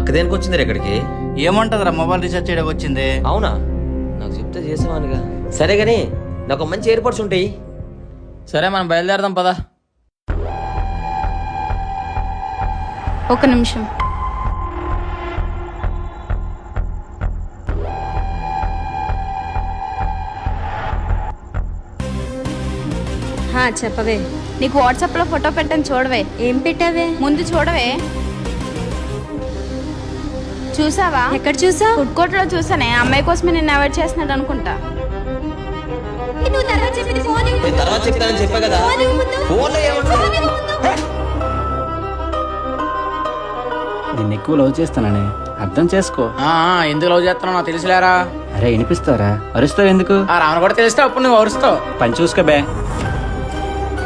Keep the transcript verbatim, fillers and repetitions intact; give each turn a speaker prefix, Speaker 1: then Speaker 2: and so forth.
Speaker 1: అక్క దేనికి వచ్చింది ఇక్కడికి?
Speaker 2: ఏమంటదిరా మొబైల్ రీఛార్జ్ చేయడానికి వచ్చింది.
Speaker 1: అవునా, నాకు చెప్తే చేసేవానుగా. సరే గానీ నాకు మంచి ఎయిర్పోర్ట్స్ ఉంటాయి.
Speaker 3: సరే మనం బయలుదేరదాం పదా.
Speaker 4: ఒక నిమిషం.
Speaker 5: చెప్పవే.
Speaker 4: నీకు వాట్సాప్ లో ఫోటో పెట్టాను చూడవే.
Speaker 5: ఏం పెట్టావే?
Speaker 4: ముందు చూడవే. చూసావా?
Speaker 5: ఎక్కడ చూసా?
Speaker 4: ఫుడ్ కోర్ట్ లో చూసానే. అమ్మాయి కోసమే నేను అవాయిడ్ చేస్తున్నాడు అనుకుంటా.
Speaker 1: నేను తర్వాత చెప్తానని చెప్పా కదా. ఫోన్లో ఏమంటావు?
Speaker 6: నిన్ను ఎక్కువ లవ్ చేస్తానని అర్థం చేసుకో.
Speaker 3: ఆ, ఆ, ఎందుకు లవ్ చేస్తున్నావు నాకు తెలుసులేరా.
Speaker 6: అరే వినిపిస్తారా? అరుస్తావు ఎందుకు?
Speaker 3: ఆ రావణ కూడా తెలిస్తే అప్పుడు నువ్వు అరుస్తావు.
Speaker 6: పని చూసుకో బే.